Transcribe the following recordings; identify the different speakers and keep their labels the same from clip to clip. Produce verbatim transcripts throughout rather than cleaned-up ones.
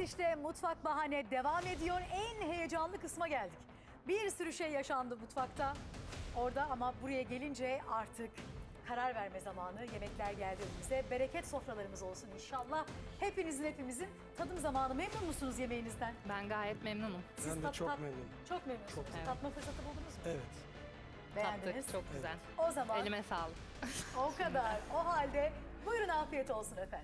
Speaker 1: işte Mutfak Bahane devam ediyor. En heyecanlı kısma geldik. Bir sürü şey yaşandı mutfakta orada ama buraya gelince artık karar verme zamanı. Yemekler geldi önümüze. Bereket sofralarımız olsun inşallah. Hepinizin hepimizin tadım zamanı. Memnun musunuz yemeğinizden?
Speaker 2: Ben gayet memnunum.
Speaker 1: Siz
Speaker 3: Ben de
Speaker 1: tat-
Speaker 3: çok
Speaker 1: tat-
Speaker 3: memnunum.
Speaker 1: Çok memnunsunuz.
Speaker 3: Çok.
Speaker 2: Evet.
Speaker 1: Tatma fırsatı buldunuz mu?
Speaker 3: Evet.
Speaker 1: Beğendiniz.
Speaker 2: Tattık, çok güzel.
Speaker 1: O zaman
Speaker 2: Elime sağlık.
Speaker 1: o kadar. O halde buyurun afiyet olsun efendim.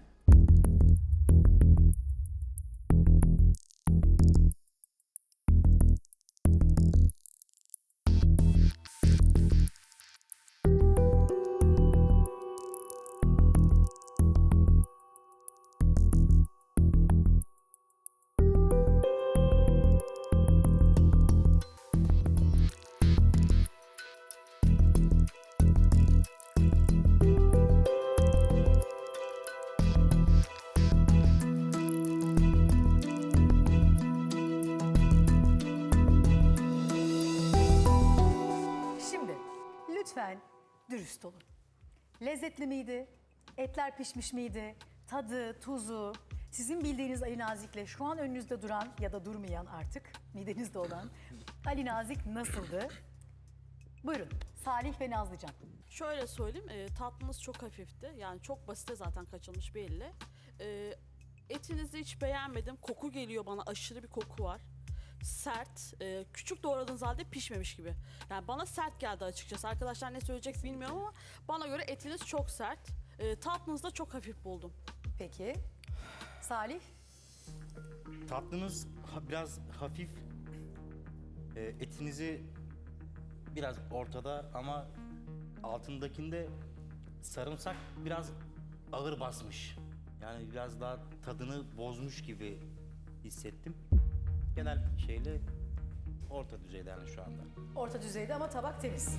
Speaker 1: Şimdi lütfen dürüst olun. Lezzetli miydi? Etler pişmiş miydi? Tadı, tuzu, sizin bildiğiniz Ali Nazik'le şu an önünüzde duran ya da durmayan artık midenizde olan Ali Nazik nasıldı? Buyurun Salih ve Nazlıcan.
Speaker 4: Şöyle söyleyeyim, e, tatlınız çok hafifti. Yani çok basite zaten kaçılmış belli. E, etinizi hiç beğenmedim. Koku geliyor bana, aşırı bir koku var. Sert, e, küçük doğradığınız halde pişmemiş gibi. Yani bana sert geldi açıkçası. Arkadaşlar ne söyleyecek bilmiyorum ama bana göre etiniz çok sert. E, tatlınızı da çok hafif buldum.
Speaker 1: Peki Salih?
Speaker 5: Tatlınız ha- biraz hafif, e, etinizi biraz ortada ama altındakinde sarımsak biraz ağır basmış. Yani biraz daha tadını bozmuş gibi hissettim. Genel şeyle orta düzeyde yani şu anda.
Speaker 1: Orta düzeyde ama tabak temiz.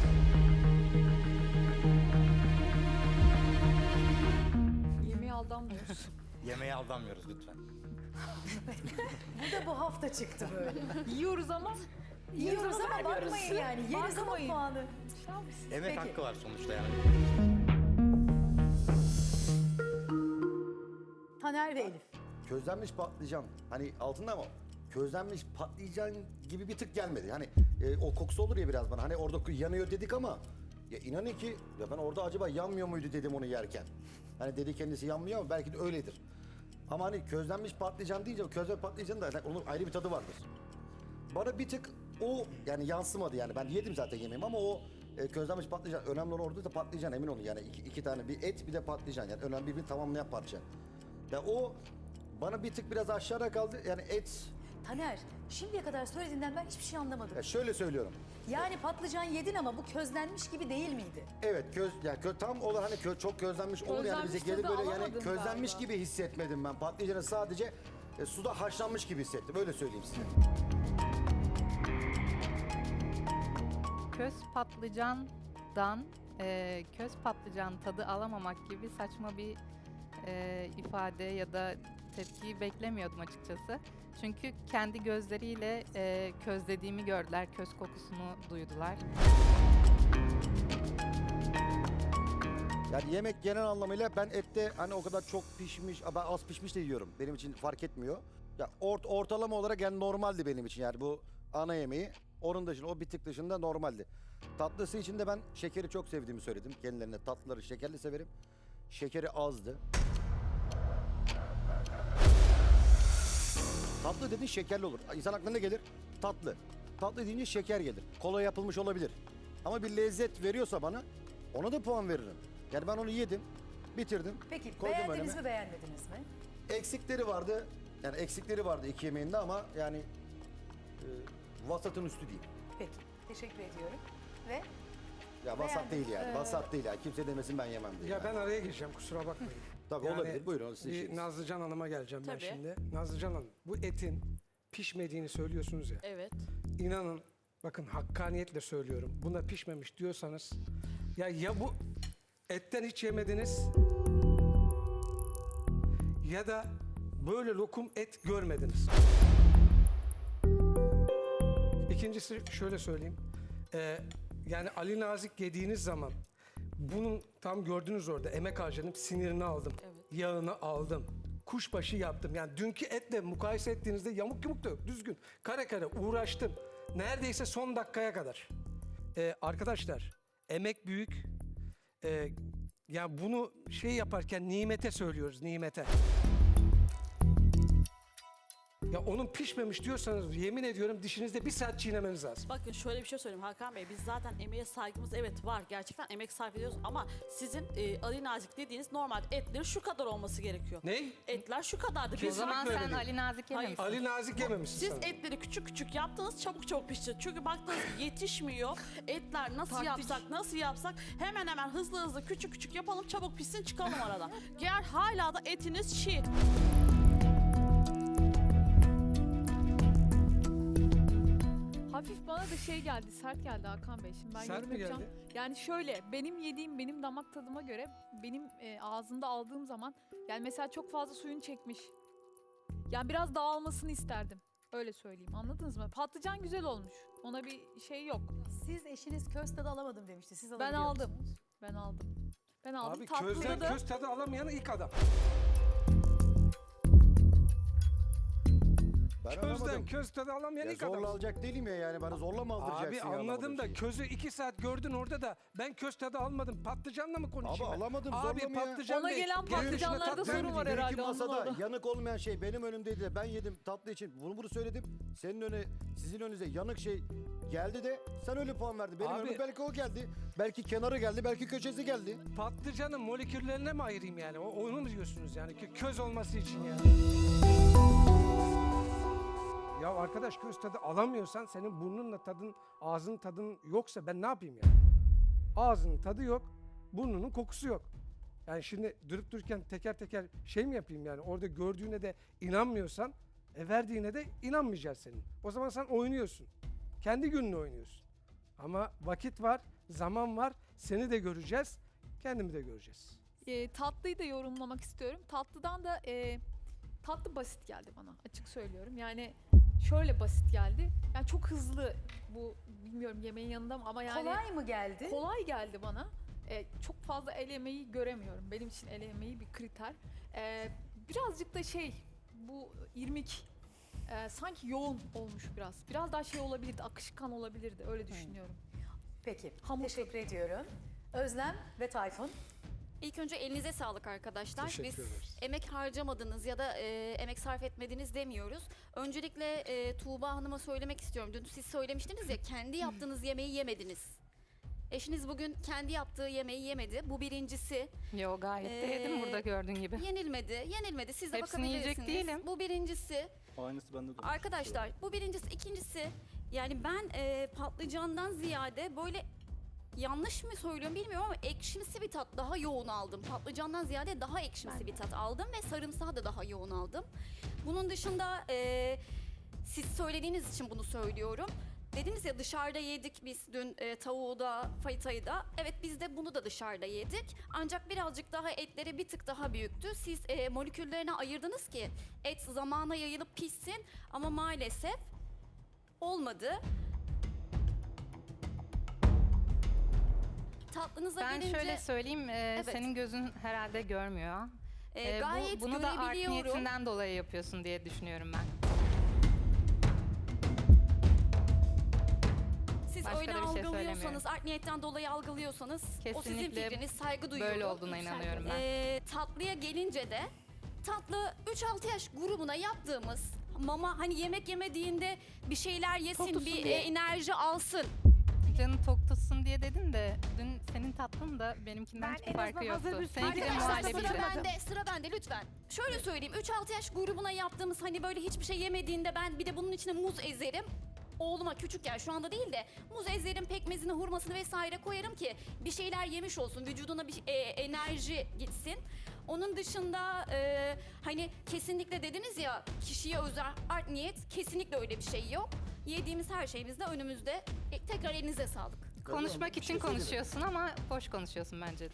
Speaker 2: Yemeğe aldanmıyoruz.
Speaker 5: Yemeğe aldanmıyoruz lütfen.
Speaker 1: Bu da bu hafta çıktı böyle.
Speaker 2: Yiyoruz ama
Speaker 1: Yiyoruz ama
Speaker 2: vermiyoruz.
Speaker 1: bakmayın yani. Yeriz ama
Speaker 2: Bakmayın.
Speaker 1: puanı.
Speaker 5: Emek
Speaker 1: Peki.
Speaker 5: hakkı var sonuçta yani.
Speaker 1: Taner ve Elif.
Speaker 6: Közlenmiş patlıcan. Hani altında ama közlenmiş patlıcan gibi bir tık gelmedi. Hani e, o kokusu olur ya biraz bana. Hani orada yanıyor dedik ama ya inanın ki ya ben orada acaba yanmıyor muydu dedim onu yerken. Hani dedi kendisi yanmıyor ama belki de öyledir. Ama hani közlenmiş patlıcan deyince o közlenmiş patlıcanın da yani onun ayrı bir tadı vardır. Bana bir tık o yani yansımadı yani. Ben yedim zaten yemeğimi ama o e, közlenmiş patlıcan önemli olan orada da patlıcan emin olun yani iki, iki tane bir et bir de patlıcan yani önemli birbirini tamamlayan parça. Ya o bana bir tık biraz aşağıda kaldı yani et
Speaker 1: Taner, şimdiye kadar söylediğinden ben hiçbir şey anlamadım.
Speaker 6: ya şöyle söylüyorum.
Speaker 1: Yani patlıcan yedin ama bu közlenmiş gibi değil miydi?
Speaker 6: Evet köz yani kö, tam olarak hani kö, çok közlenmiş olur yani bize
Speaker 2: Közlenmiş
Speaker 6: gelir
Speaker 2: tadı
Speaker 6: böyle yani
Speaker 2: alamadım
Speaker 6: közlenmiş
Speaker 2: galiba.
Speaker 6: gibi hissetmedim ben. Patlıcanı sadece e, suda haşlanmış gibi hissettim. Öyle söyleyeyim size.
Speaker 2: köz patlıcandan e, köz patlıcan tadı alamamak gibi saçma bir e, ifade ya da tepkiyi beklemiyordum açıkçası. Çünkü kendi gözleriyle e, közlediğimi gördüler, köz kokusunu duydular.
Speaker 6: Yani yemek genel anlamıyla ben ette hani o kadar çok pişmiş, ben az pişmiş de yiyorum. Benim için fark etmiyor. Ya ort, ortalama olarak yani normaldi benim için yani bu ana yemeği. Onun dışında o bir tık dışında normaldi. Tatlısı için de ben şekeri çok sevdiğimi söyledim kendilerine. Tatlıları şekerli severim. Şekeri azdı. Tatlı dediğin şekerli olur. İnsan aklına ne gelir? Tatlı. Tatlı deyince şeker gelir. Kola yapılmış olabilir. Ama bir lezzet veriyorsa bana ona da puan veririm. Yani ben onu yedim, bitirdim.
Speaker 1: Peki
Speaker 6: koydum
Speaker 1: beğendiniz
Speaker 6: önüme.
Speaker 1: mi beğenmediniz mi?
Speaker 6: Eksikleri vardı. Yani eksikleri vardı iki yemeğinde ama yani e, vasatın üstü değil.
Speaker 1: Peki, teşekkür ediyorum. Ve
Speaker 6: Ya vasat
Speaker 1: Beğendim.
Speaker 6: değil yani.
Speaker 1: Ee,
Speaker 6: Vasat değil yani. Kimse demesin ben yemem diye.
Speaker 3: Ya
Speaker 6: yani.
Speaker 3: ben araya gireceğim kusura bakmayın.
Speaker 6: Tabii olabilir. Buyurun, sizin
Speaker 3: bir
Speaker 6: işiniz.
Speaker 3: Nazlıcan Hanım'a geleceğim ben
Speaker 4: Tabii.
Speaker 3: şimdi. Nazlıcan Hanım bu etin pişmediğini söylüyorsunuz ya.
Speaker 4: Evet.
Speaker 3: İnanın bakın hakkaniyetle söylüyorum. Buna pişmemiş diyorsanız ya ya bu etten hiç yemediniz ya da böyle lokum et görmediniz. İkincisi şöyle söyleyeyim. Ee, yani Ali Nazik yediğiniz zaman bunun tam gördünüz orada emek harcadım, sinirini aldım,
Speaker 4: Evet.
Speaker 3: yağını aldım, kuşbaşı yaptım. Yani dünkü etle mukayese ettiğinizde yamuk yumuk da yok. Düzgün. Kare kare uğraştım. Neredeyse son dakikaya kadar. Ee, arkadaşlar emek büyük. Ee, yani bunu şey yaparken nimete söylüyoruz, nimete. Ya onun pişmemiş diyorsanız yemin ediyorum dişinizde bir saat çiğnemeniz lazım.
Speaker 4: Bakın şöyle bir şey söyleyeyim Hakan Bey. Biz zaten emeğe saygımız evet var. Gerçekten emek sarf ediyoruz ama sizin e, Ali Nazik dediğiniz normal etleri şu kadar olması gerekiyor.
Speaker 3: Ne?
Speaker 4: Etler şu kadardı.
Speaker 2: O
Speaker 4: Biz
Speaker 2: zaman
Speaker 3: böyle
Speaker 2: sen
Speaker 3: değil.
Speaker 2: Ali Nazik
Speaker 4: Hayır.
Speaker 2: yememişsin.
Speaker 3: Ali Nazik yememişsin
Speaker 4: Siz
Speaker 3: sanırım.
Speaker 4: etleri küçük küçük yaptınız, çabuk çabuk pişti. Çünkü baktınız yetişmiyor. Etler nasıl
Speaker 7: Taktik.
Speaker 4: yapsak, nasıl yapsak hemen hemen hızlı hızlı küçük küçük yapalım, çabuk pişsin, çıkalım aradan. Eğer hala da etiniz çiğ.
Speaker 7: Hafif bana da şey geldi, sert geldi Hakan Bey. Şimdi ben
Speaker 3: Sert
Speaker 7: yorum
Speaker 3: mi
Speaker 7: yapacağım.
Speaker 3: geldi?
Speaker 7: Yani şöyle, benim yediğim, benim damak tadıma göre, benim e, ağzımda aldığım zaman, yani mesela çok fazla suyunu çekmiş. Yani biraz dağılmasını isterdim. Öyle söyleyeyim, anladınız mı? Patlıcan güzel olmuş. Ona bir şey yok.
Speaker 1: Siz eşiniz köz tadı alamadım demişti. Siz
Speaker 7: Ben
Speaker 1: alabiliyor
Speaker 7: aldım.
Speaker 1: musunuz?
Speaker 7: Ben aldım. Ben aldım.
Speaker 3: Abi
Speaker 7: Tatlıda
Speaker 3: közden
Speaker 7: da
Speaker 3: köz tadı alamayan ilk adam.
Speaker 6: Ben
Speaker 3: Közden
Speaker 6: anlamadım.
Speaker 3: köz tadı alamayan
Speaker 6: Ya
Speaker 3: ilk
Speaker 6: zorla
Speaker 3: adam.
Speaker 6: alacak değilim ya yani bana zorla mı aldıracaksın
Speaker 3: Abi
Speaker 6: ya
Speaker 3: anladım
Speaker 6: anlamadığım
Speaker 3: da
Speaker 6: şeyi?
Speaker 3: közü iki saat gördün orada da ben köz tadı almadım. Patlıcanla mı konuşayım
Speaker 6: Abi
Speaker 3: ben?
Speaker 6: alamadım,
Speaker 3: Abi
Speaker 6: zorla mı ya?
Speaker 3: patlıcan
Speaker 7: Ona
Speaker 3: değil.
Speaker 7: gelen
Speaker 3: Gelin şuna
Speaker 7: patlıcanlarda
Speaker 3: tat
Speaker 7: sorun
Speaker 3: vermedi.
Speaker 7: var
Speaker 3: Gelin
Speaker 7: herhalde.
Speaker 6: Benimki
Speaker 7: ondan
Speaker 6: masada
Speaker 7: orada.
Speaker 6: yanık olmayan şey benim önümdeydi de ben yedim tatlı için bunu bunu söyledim. Senin öne sizin önünüze yanık şey geldi de sen öyle puan verdin. Benim
Speaker 3: Abi-
Speaker 6: önüme belki o geldi. Belki kenarı geldi, belki köşesi geldi.
Speaker 3: Patlıcanın moleküllerine mi ayırayım yani? O, onu mu diyorsunuz yani? Kö- Köz olması için yani. Ya arkadaş köz tadı alamıyorsan senin burnunla tadın, ağzının tadın yoksa ben ne yapayım yani? Ağzının tadı yok, burnunun kokusu yok. Yani şimdi durup dururken teker teker şey mi yapayım yani? Orada gördüğüne de inanmıyorsan, e verdiğine de inanmayacağız senin. O zaman sen oynuyorsun. Kendi gününü oynuyorsun. Ama vakit var, zaman var. Seni de göreceğiz, kendimi de göreceğiz.
Speaker 7: e, tatlıyı da yorumlamak istiyorum. Tatlıdan da e, tatlı basit geldi bana, açık söylüyorum. Yani şöyle basit geldi. Yani çok hızlı bu, bilmiyorum yemeğin yanında mı ama yani
Speaker 1: Kolay mı geldi?
Speaker 7: kolay geldi bana. E, çok fazla el emeği göremiyorum. Benim için el emeği bir kriter. E, birazcık da şey, bu irmik e, sanki yoğun olmuş biraz. Biraz daha şey olabilirdi, akışkan olabilirdi. Öyle düşünüyorum.
Speaker 1: Peki.
Speaker 7: Hamur
Speaker 1: Teşekkür ediyorum. Özlem ve Tayfun.
Speaker 8: İlk önce elinize sağlık arkadaşlar.
Speaker 3: Teşekkür
Speaker 8: Biz
Speaker 3: ederiz.
Speaker 8: emek harcamadınız ya da e, emek sarf etmediniz demiyoruz. Öncelikle e, Tuğba Hanım'a söylemek istiyorum. Dün siz söylemiştiniz ya kendi yaptığınız yemeği yemediniz. Eşiniz bugün kendi yaptığı yemeği yemedi. Bu birincisi.
Speaker 2: Yo gayet de yedim
Speaker 8: Ee,
Speaker 2: burada gördüğün gibi.
Speaker 8: Yenilmedi. Yenilmedi. Siz de
Speaker 2: Hepsini yiyecek
Speaker 8: bakabilirsiniz.
Speaker 2: değilim.
Speaker 8: Bu birincisi.
Speaker 5: Aynısı bende de.
Speaker 8: Arkadaşlar bu birincisi. İkincisi yani ben e, patlıcandan ziyade böyle yanlış mı söylüyorum bilmiyorum ama ekşimsi bir tat daha yoğun aldım. Patlıcandan ziyade daha ekşimsi bir tat aldım ve sarımsağı da daha yoğun aldım. Bunun dışında e, siz söylediğiniz için bunu söylüyorum. Dediniz ya dışarıda yedik biz dün e, tavuğu da fayitayı da. Evet biz de bunu da dışarıda yedik. Ancak birazcık daha etleri bir tık daha büyüktü. Siz e, moleküllerine ayırdınız ki et zamana yayılıp pişsin ama maalesef olmadı. Tatlınıza
Speaker 2: Ben
Speaker 8: gelince
Speaker 2: şöyle söyleyeyim, e,
Speaker 8: Evet.
Speaker 2: senin gözün herhalde görmüyor.
Speaker 8: e,
Speaker 2: E, bu-
Speaker 8: gayet
Speaker 2: bunu da art
Speaker 8: görebiliyorum.
Speaker 2: niyetinden dolayı yapıyorsun diye düşünüyorum ben.
Speaker 8: Siz
Speaker 2: Başka
Speaker 8: öyle
Speaker 2: da bir şey
Speaker 8: algılıyorsanız,
Speaker 2: söylemiyorum.
Speaker 8: art niyetten dolayı algılıyorsanız o sizin
Speaker 2: Kesinlikle
Speaker 8: fikriniz, saygı duyuyorum.
Speaker 2: Böyle olduğuna inanıyorum ben.
Speaker 8: Ee, tatlıya gelince de tatlı üç altı yaş grubuna yaptığımız mama hani yemek yemediğinde bir şeyler yesin,
Speaker 7: Tok tutsun
Speaker 8: bir
Speaker 7: diye.
Speaker 8: e, enerji alsın.
Speaker 2: Canı tok tutsun diye dedin de dün senin tatlın da benimkinden hiçbir farkı yoktu. Seninki de
Speaker 8: Arkadaşlar sıra
Speaker 2: muhallebiydi.
Speaker 8: bende, sıra bende lütfen. Şöyle söyleyeyim, üç altı yaş grubuna yaptığımız hani böyle hiçbir şey yemediğinde ben bir de bunun içine muz ezerim. Oğluma küçükken şu anda değil de muz ezerim, pekmezini, hurmasını vesaire koyarım ki bir şeyler yemiş olsun, vücuduna bir e, enerji gitsin. Onun dışında e, hani kesinlikle dediniz ya kişiye özel art niyet, kesinlikle öyle bir şey yok. Yediğimiz her şeyimiz de önümüzde. E, tekrar elinize sağlık.
Speaker 2: Konuşmak
Speaker 6: Bir
Speaker 2: için
Speaker 6: şey söyleyeyim mi?
Speaker 2: konuşuyorsun ama boş konuşuyorsun bence.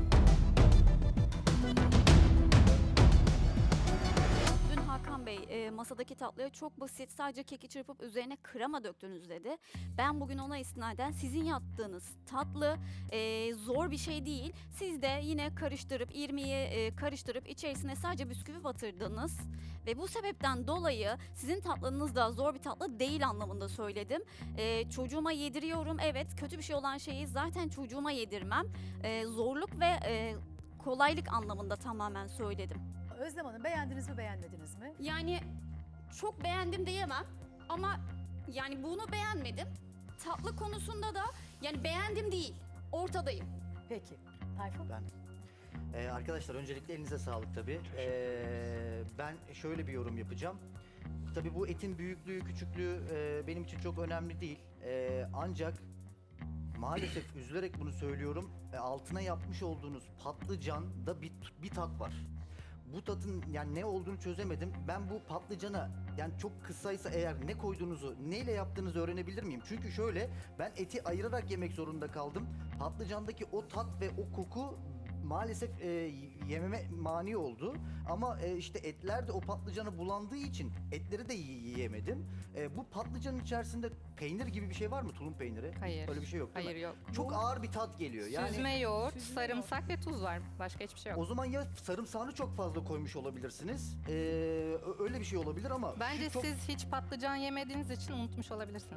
Speaker 8: Dün Hakan Bey e, masadaki tatlıya çok basit sadece keki çırpıp üzerine krema döktünüz dedi. Ben bugün ona istinaden sizin yaptığınız tatlı e, zor bir şey değil. Siz de yine karıştırıp irmiği e, karıştırıp içerisine sadece bisküvi batırdınız. Ve bu sebepten dolayı sizin tatlınız da zor bir tatlı değil anlamında söyledim. E, çocuğuma yediriyorum, evet, kötü bir şey olan şeyi zaten çocuğuma yedirmem. E, zorluk ve e, kolaylık anlamında tamamen söyledim.
Speaker 1: Özlem Hanım, beğendiniz mi beğenmediniz mi?
Speaker 8: Yani çok beğendim diyemem ama yani bunu beğenmedim. Tatlı konusunda da yani beğendim değil, ortadayım.
Speaker 1: Peki. Tayfun?
Speaker 9: Ben. Ee, arkadaşlar öncelikle elinize sağlık tabii. Ee, ben şöyle bir yorum yapacağım. Tabii bu etin büyüklüğü, küçüklüğü e, benim için çok önemli değil. Ee, ancak maalesef üzülerek bunu söylüyorum. e, altına yapmış olduğunuz patlıcanda bir, bir tat var. Bu tatın yani ne olduğunu çözemedim. Ben bu patlıcana yani çok kısaysa eğer ne koyduğunuzu, neyle yaptığınızı öğrenebilir miyim? Çünkü şöyle, ben eti ayırarak yemek zorunda kaldım. Patlıcandaki o tat ve o koku maalesef e, yememe mani oldu. Ama e, işte etler de o patlıcanı bulandığı için etleri de yi- yiyemedim. E, bu patlıcanın içerisinde peynir gibi bir şey var mı? Tulum peyniri.
Speaker 2: Hayır.
Speaker 9: Öyle bir şey yok değil
Speaker 2: Hayır
Speaker 9: mi?
Speaker 2: yok.
Speaker 9: Çok ağır bir tat geliyor. Yani
Speaker 2: Süzme yoğurt,
Speaker 7: Süzme
Speaker 2: sarımsak ve tuz var. Başka hiçbir şey yok.
Speaker 9: o zaman ya sarımsağını çok fazla koymuş olabilirsiniz. Ee, ö- öyle bir şey olabilir ama
Speaker 2: Bence
Speaker 9: şu çok-
Speaker 2: siz hiç patlıcan yemediğiniz için unutmuş olabilirsiniz.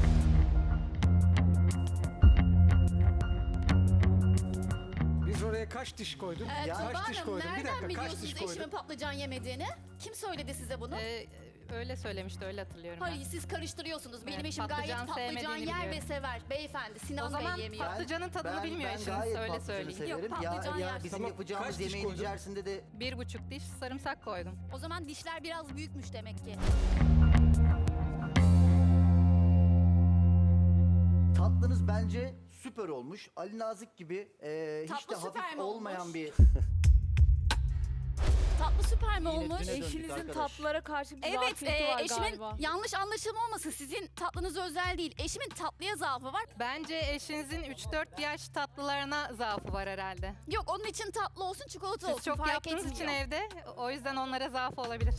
Speaker 3: Biz oraya kaç diş koyduk?
Speaker 8: Ee,
Speaker 9: Ya-
Speaker 8: Tuğba
Speaker 3: kaç diş
Speaker 8: Hanım,
Speaker 3: koydun? Bir
Speaker 8: nereden
Speaker 3: dakika, kaç
Speaker 8: biliyorsunuz
Speaker 3: diş
Speaker 8: eşimin
Speaker 3: koydun?
Speaker 8: patlıcan yemediğini? Kim söyledi size bunu?
Speaker 2: Ee, öyle söylemişti, öyle hatırlıyorum ben.
Speaker 8: Hayır, siz karıştırıyorsunuz. Benim
Speaker 2: Evet,
Speaker 8: eşim gayet
Speaker 2: patlıcan
Speaker 8: patlıcan
Speaker 2: sevmediğini
Speaker 8: yer ve
Speaker 2: biliyorum.
Speaker 8: sever. Beyefendi, Sinan
Speaker 2: O zaman
Speaker 8: Bey yemiyor.
Speaker 2: pat- patlıcanın tadını
Speaker 9: ben,
Speaker 2: bilmiyor
Speaker 9: ben
Speaker 2: eşiniz,
Speaker 9: gayet
Speaker 2: öyle
Speaker 9: patlıcanı
Speaker 2: söyleyeyim.
Speaker 9: severim.
Speaker 8: Yok, patlıcan
Speaker 9: ya, ya
Speaker 8: yer.
Speaker 9: bizim
Speaker 3: Tamam,
Speaker 9: yapacağımız
Speaker 3: kaç diş
Speaker 9: yemeğin
Speaker 3: koydun?
Speaker 9: içerisinde de
Speaker 2: Bir buçuk diş sarımsak koydum.
Speaker 8: O zaman dişler biraz büyükmüş demek ki.
Speaker 9: tatlınız bence süper olmuş. Ali Nazik gibi e, hiç
Speaker 8: Tatlı
Speaker 9: de
Speaker 8: süper
Speaker 9: hafif
Speaker 8: mi
Speaker 9: olmayan
Speaker 8: olmuş?
Speaker 9: bir
Speaker 8: Tatlı süper mi
Speaker 9: Yine
Speaker 8: olmuş?
Speaker 9: düne döndük
Speaker 7: Eşinizin
Speaker 9: arkadaş.
Speaker 7: tatlılara karşı bir
Speaker 8: Evet,
Speaker 7: zafiyeti
Speaker 8: e,
Speaker 7: var
Speaker 8: eşimin
Speaker 7: galiba.
Speaker 8: yanlış anlaşılma olmasın. Sizin tatlınız özel değil. Eşimin tatlıya zaafı var.
Speaker 2: Bence eşinizin üç dört yaş tatlılarına zaafı var herhalde.
Speaker 8: Yok, onun için tatlı olsun, çikolata olsun.
Speaker 2: Siz çok
Speaker 8: fark
Speaker 2: yaptığınız için
Speaker 8: etmiyor.
Speaker 2: evde, o yüzden onlara zaafı olabilir.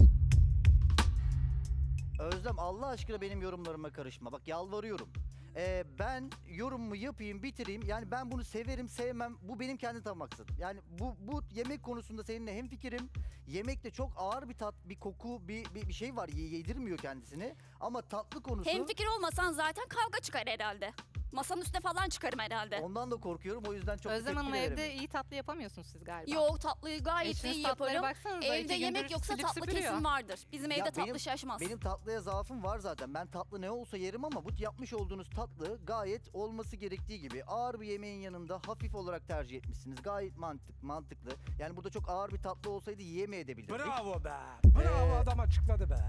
Speaker 9: Özlem, Allah aşkına benim yorumlarıma karışma. Bak yalvarıyorum. Ee, ben yorumumu yapayım, bitireyim. Yani ben bunu severim, sevmem. Bu benim kendi tam maksadım. Yani bu bu yemek konusunda seninle hemfikirim. Yemekte çok ağır bir tat, bir koku, bir bir, bir şey var. Ye- Yedirmiyor kendisini. Ama tatlı konusu...
Speaker 8: Hemfikir olmasan zaten kavga çıkar herhalde. Masanın üstüne falan çıkarım herhalde.
Speaker 9: Ondan da korkuyorum. O yüzden çok
Speaker 2: Özlem
Speaker 9: tepki
Speaker 2: Hanım,
Speaker 9: veremiyorum.
Speaker 2: evde iyi tatlı yapamıyorsunuz siz galiba.
Speaker 8: Yok, tatlıyı gayet
Speaker 2: Eşiniz
Speaker 8: iyi
Speaker 2: tatlılara
Speaker 8: yaparım.
Speaker 2: baksanıza,
Speaker 8: Evde
Speaker 2: iki gündür
Speaker 8: yemek yoksa
Speaker 2: silip
Speaker 8: tatlı
Speaker 2: süpürüyor.
Speaker 8: kesin vardır. Bizim evde
Speaker 9: Ya
Speaker 8: tatlı
Speaker 9: benim-
Speaker 8: şaşmaz.
Speaker 9: Benim tatlıya zaafım var zaten. Ben tatlı ne olsa yerim ama bu yapmış olduğunuz tatlı gayet olması gerektiği gibi ağır bir yemeğin yanında hafif olarak tercih etmişsiniz. Gayet mantık, mantıklı. Yani burada çok ağır bir tatlı olsaydı yiyemeyebilirdik.
Speaker 3: Bravo be. Bravo,
Speaker 9: Ee,
Speaker 3: adam açıkladı be.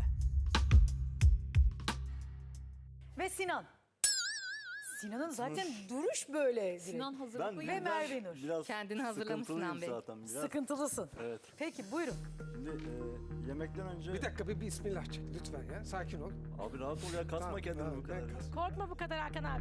Speaker 1: Ve Sinan. Sinan'ın zaten duruş böyle. direkt.
Speaker 7: Sinan hazırlıklıyım.
Speaker 1: Ve Merve Nur.
Speaker 10: Biraz
Speaker 2: Kendini hazırlamış
Speaker 10: sıkıntılıyım
Speaker 2: Sinan Bey.
Speaker 10: zaten biraz.
Speaker 1: Sıkıntılısın.
Speaker 10: Evet.
Speaker 1: Peki buyurun.
Speaker 10: Şimdi e, yemekten önce...
Speaker 3: Bir dakika, bir bismillah çek lütfen ya. Sakin ol.
Speaker 10: Abi rahat ol ya, kasma
Speaker 3: Tamam,
Speaker 10: kendini
Speaker 3: tamam,
Speaker 10: bu kadar.
Speaker 3: ben
Speaker 10: ya.
Speaker 3: kas-
Speaker 11: Korkma bu kadar Hakan abi.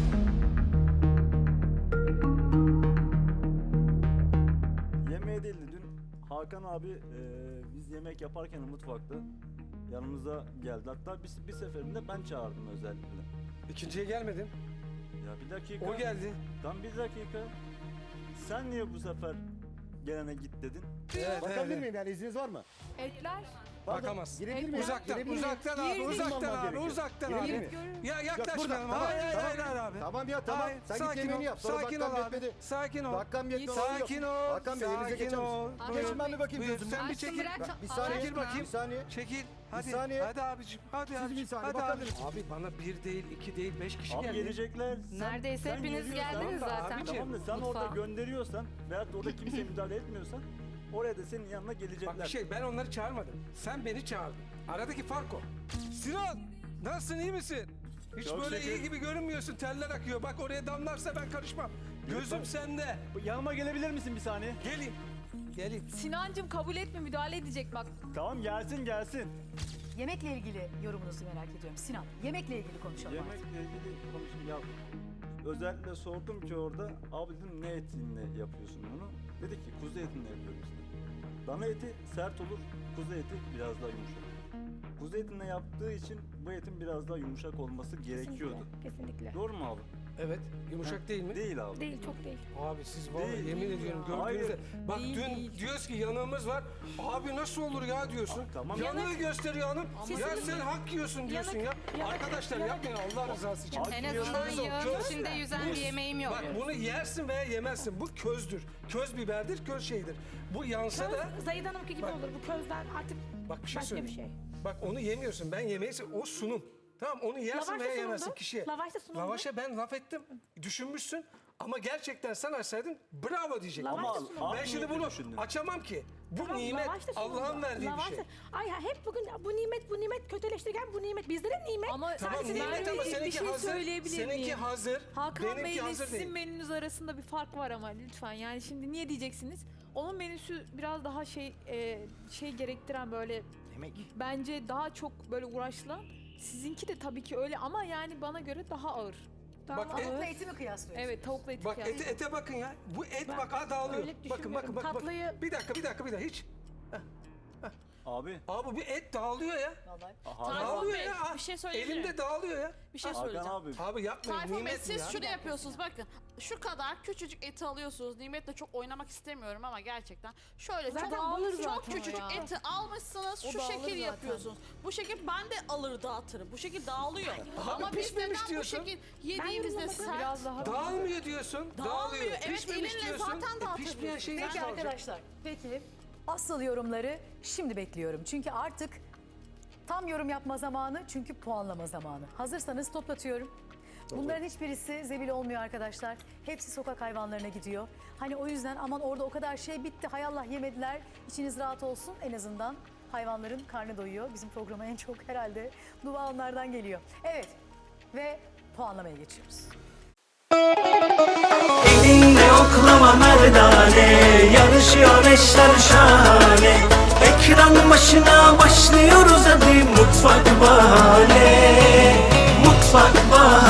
Speaker 10: Yemeğe değil de dün Hakan abi e, biz yemek yaparken mutfakta yanımıza geldi. Hatta bir, bir seferinde ben çağırdım özellikle.
Speaker 3: İkinciye gelmedin.
Speaker 10: Ya bir dakika.
Speaker 3: O geldi.
Speaker 10: Tam bir dakika. Sen niye bu sefer gelene git dedin?
Speaker 3: Evet,
Speaker 6: Bakabilir
Speaker 3: evet.
Speaker 6: miyim yani, izniniz var mı?
Speaker 7: Etler.
Speaker 6: Pardon,
Speaker 3: Bakamaz.
Speaker 6: girebilir miyim?
Speaker 3: Uzaktan,
Speaker 6: Girebilir miyim?
Speaker 3: uzaktan abi,
Speaker 7: Girdim.
Speaker 3: uzaktan
Speaker 6: Girmem
Speaker 3: abi,
Speaker 6: gerekiyor.
Speaker 3: uzaktan
Speaker 6: Girebilir
Speaker 3: abi.
Speaker 6: miyim?
Speaker 3: Ya
Speaker 6: Yok,
Speaker 3: yaklaşmayalım.
Speaker 6: burada. Tamam,
Speaker 3: Hayır, hayır,
Speaker 6: tamam.
Speaker 3: hayır, hayır abi.
Speaker 6: Tamam ya, tamam.
Speaker 3: Hayır,
Speaker 6: Sen git
Speaker 3: sakin
Speaker 6: yemeğini
Speaker 3: ol,
Speaker 6: yap. Sonra
Speaker 3: sakin
Speaker 6: dakikam
Speaker 3: ol abi.
Speaker 6: yetmedi.
Speaker 3: Sakin ol.
Speaker 6: Dakikam yetmedi.
Speaker 3: Sakin ol.
Speaker 6: Hakan Bey, elinize
Speaker 3: Sakin
Speaker 6: geçer
Speaker 3: ol.
Speaker 6: misiniz?
Speaker 3: Buyur.
Speaker 6: Geçin, ben bir bakayım
Speaker 3: Buyur,
Speaker 6: gözümden.
Speaker 3: sen bir
Speaker 2: Aşkım,
Speaker 3: çekil.
Speaker 2: bırak,
Speaker 6: Bir
Speaker 2: Allah
Speaker 6: saniye,
Speaker 3: Çekil bakayım.
Speaker 6: bir saniye.
Speaker 3: Çekil. Hadi.
Speaker 6: saniye.
Speaker 3: Hadi abicim. Hadi
Speaker 6: Siz
Speaker 3: abicim.
Speaker 6: bir saniye,
Speaker 3: Hadi
Speaker 6: bakabilir
Speaker 3: abicim. Abi bana bir değil, iki değil, beş kişi
Speaker 10: Abi
Speaker 3: geldi.
Speaker 10: gelecekler. Sen-
Speaker 2: Neredeyse
Speaker 10: sen
Speaker 2: hepiniz
Speaker 10: geliyorsan-
Speaker 2: geldiniz
Speaker 3: Tamam da
Speaker 2: zaten.
Speaker 3: abicim.
Speaker 10: Tamam da sen
Speaker 2: Mutfağa.
Speaker 10: orada gönderiyorsan veyahut da orada kimse müdahale etmiyorsan oraya da senin yanına gelecekler.
Speaker 3: Bak bir şey, ben onları çağırmadım. Sen beni çağırdın. Aradaki fark o. Sinan, nasılsın, iyi misin? Hiç
Speaker 10: Çok
Speaker 3: böyle
Speaker 10: şükür.
Speaker 3: iyi gibi görünmüyorsun. Teller akıyor. Bak oraya damlarsa ben karışmam. Gözüm
Speaker 10: bak-
Speaker 3: sende.
Speaker 10: Yanıma gelebilir misin bir saniye?
Speaker 3: Gelin. Gelin.
Speaker 7: Sinancım kabul etme, müdahale edecek bak.
Speaker 10: Tamam, gelsin gelsin.
Speaker 1: Yemekle ilgili yorumunuzu merak ediyorum. Sinan, yemekle ilgili konuşalım artık.
Speaker 10: Yemekle ilgili konuşayım ya. Özellikle sordum ki orada, abi dedim ne etinle yapıyorsun bunu? Dedi ki kuzu etinle yapıyorum işte. Dana eti sert olur, kuzu eti biraz daha yumuşak. kuzu etine yaptığı için bu etin biraz daha yumuşak olması gerekiyordu.
Speaker 11: Kesinlikle.
Speaker 10: Doğru mu abi?
Speaker 3: Evet. Yumuşak değil mi?
Speaker 10: Değil abi.
Speaker 11: Değil, çok değil.
Speaker 3: Abi siz vallahi
Speaker 10: Değil,
Speaker 3: yemin
Speaker 10: değil
Speaker 3: ediyorum
Speaker 10: ya.
Speaker 3: gördüğünüzde
Speaker 10: Hayır.
Speaker 3: bak
Speaker 7: Değil,
Speaker 3: dün
Speaker 7: değil.
Speaker 3: diyoruz ki yanığımız var. Abi nasıl olur ya diyorsun.
Speaker 10: Ah, tamam.
Speaker 3: Yanığı gösteriyor hanım. Ya sen hak yiyorsun diyorsun ya. Arkadaşlar yapmayın Allah rızası için.
Speaker 10: Abi,
Speaker 2: En
Speaker 10: Köz
Speaker 2: azından
Speaker 3: o,
Speaker 2: yağın
Speaker 3: köz.
Speaker 2: içinde yüzen bir yemeğim yok.
Speaker 3: Bak bunu yersin veya yemezsin. Bu közdür. Köz biberdir, köz şeydir. Bu yansa da
Speaker 11: Köz, Zahide Hanım'ınki gibi
Speaker 3: Bak.
Speaker 11: olur. Bu közden artık
Speaker 3: bak bir şey
Speaker 11: başka bir
Speaker 3: söyleyeyim.
Speaker 11: şey.
Speaker 3: Bak onu yemiyorsun. Ben yemeği o sunum. Tamam onu yersin
Speaker 11: Lavaş da
Speaker 3: veya
Speaker 11: sunumdu.
Speaker 3: yemezsin kişiye.
Speaker 11: Lavaş da sunumdu.
Speaker 3: Lavaşa ben laf ettim. Düşünmüşsün. Ama gerçekten sen açsaydın bravo diyecektim.
Speaker 11: Lavaş
Speaker 10: Ama
Speaker 11: da sunumdu.
Speaker 10: abi
Speaker 3: Ben şimdi
Speaker 10: niyetle
Speaker 3: bunu
Speaker 10: düşündün.
Speaker 3: açamam ki. Bu
Speaker 11: Tamam,
Speaker 3: nimet
Speaker 11: lavaş da sunumdu.
Speaker 3: Allah'ın verdiği
Speaker 11: Lavaş
Speaker 3: bir
Speaker 11: da-
Speaker 3: şey.
Speaker 11: Ay ya hep bugün bu nimet bu nimet kötüleştirirken bu nimet bizlere nimet.
Speaker 7: Ama
Speaker 3: Tamam
Speaker 7: Sadece
Speaker 3: nimet
Speaker 7: ben
Speaker 3: ama
Speaker 7: bir
Speaker 3: seninki
Speaker 7: şey
Speaker 3: hazır.
Speaker 7: söyleyebilir
Speaker 3: Seninki
Speaker 7: miyim?
Speaker 3: hazır.
Speaker 7: Hakan Bey
Speaker 3: benimki
Speaker 7: ile
Speaker 3: hazır
Speaker 7: sizin
Speaker 3: değil.
Speaker 7: menünüz arasında bir fark var ama lütfen. Yani şimdi niye diyeceksiniz? Onun menüsü biraz daha şey e, şey gerektiren böyle
Speaker 9: Emek.
Speaker 7: bence daha çok böyle uğraşlı. Sizinki de tabii ki öyle ama yani bana göre daha ağır. Daha
Speaker 3: Bak,
Speaker 7: ağır.
Speaker 1: Tavukla eti mi kıyaslıyorsun?
Speaker 7: Evet tavukla eti
Speaker 3: Bak
Speaker 7: kıyas.
Speaker 3: ete, ete bakın ya. Bu et
Speaker 11: Ben
Speaker 3: bak ha dağılıyor.
Speaker 11: öyle
Speaker 3: Bakın bakın
Speaker 11: düşünmüyorum.
Speaker 3: bakın. bak.
Speaker 11: Tatlıyı-
Speaker 3: Bir dakika bir dakika bir dakika hiç.
Speaker 10: Abi.
Speaker 3: Abi bu et dağılıyor ya.
Speaker 1: Vallahi.
Speaker 10: Hakan,
Speaker 4: Tayfun
Speaker 3: Dağılıyor
Speaker 4: Bey,
Speaker 3: ya. Ah,
Speaker 4: bir şey söyleyebilir
Speaker 3: Elimde
Speaker 4: miyim?
Speaker 3: dağılıyor ya.
Speaker 4: Bir şey
Speaker 10: Hakan
Speaker 4: söyleyeceğim.
Speaker 10: abi.
Speaker 3: Abi yapmayın
Speaker 4: Tayfun Bey
Speaker 3: nimet bu
Speaker 4: siz
Speaker 3: ya.
Speaker 4: şunu yapıyorsunuz bakın. Şu kadar küçücük eti alıyorsunuz. Nimetle çok oynamak istemiyorum ama gerçekten. Şöyle
Speaker 7: Zaten
Speaker 4: çok,
Speaker 7: dağılır
Speaker 4: çok
Speaker 7: zaten o
Speaker 4: küçücük
Speaker 7: ya.
Speaker 4: eti almışsınız.
Speaker 7: O
Speaker 4: şu
Speaker 7: dağılır
Speaker 4: şekil
Speaker 7: zaten.
Speaker 4: yapıyorsunuz. Bu şekil ben de alır dağıtırım. Bu şekil dağılıyor.
Speaker 3: Abi
Speaker 4: ama biz
Speaker 3: pişmemiş
Speaker 4: neden bu
Speaker 3: diyorsun.
Speaker 4: şekil yediğimizde
Speaker 11: yorumlamadım.
Speaker 4: sert.
Speaker 7: Biraz daha
Speaker 3: Dağılmıyor diyorsun.
Speaker 4: Dağılmıyor, evet,
Speaker 3: Pişmemiş
Speaker 4: elinle
Speaker 3: diyorsun.
Speaker 4: zaten
Speaker 3: E,
Speaker 4: dağıtabiliyorsun.
Speaker 3: pişmeyen şey
Speaker 1: Peki
Speaker 3: nasıl olacak?
Speaker 1: arkadaşlar, peki asıl yorumları şimdi bekliyorum. Çünkü artık tam yorum yapma zamanı çünkü puanlama zamanı. Hazırsanız toplatıyorum. Bunların hiçbirisi zebil olmuyor arkadaşlar. Hepsi sokak hayvanlarına gidiyor. Hani o yüzden aman orada o kadar şey bitti hay Allah yemediler. İçiniz rahat olsun en azından hayvanların karnı doyuyor. Bizim programa en çok herhalde dua onlardan geliyor. Evet ve puanlamaya geçiyoruz.
Speaker 12: Elinle oklama merdane, yarışıyor eşler şahane. Ekran başına başlıyoruz hadi Mutfak Bahane. Mutfak Bahane.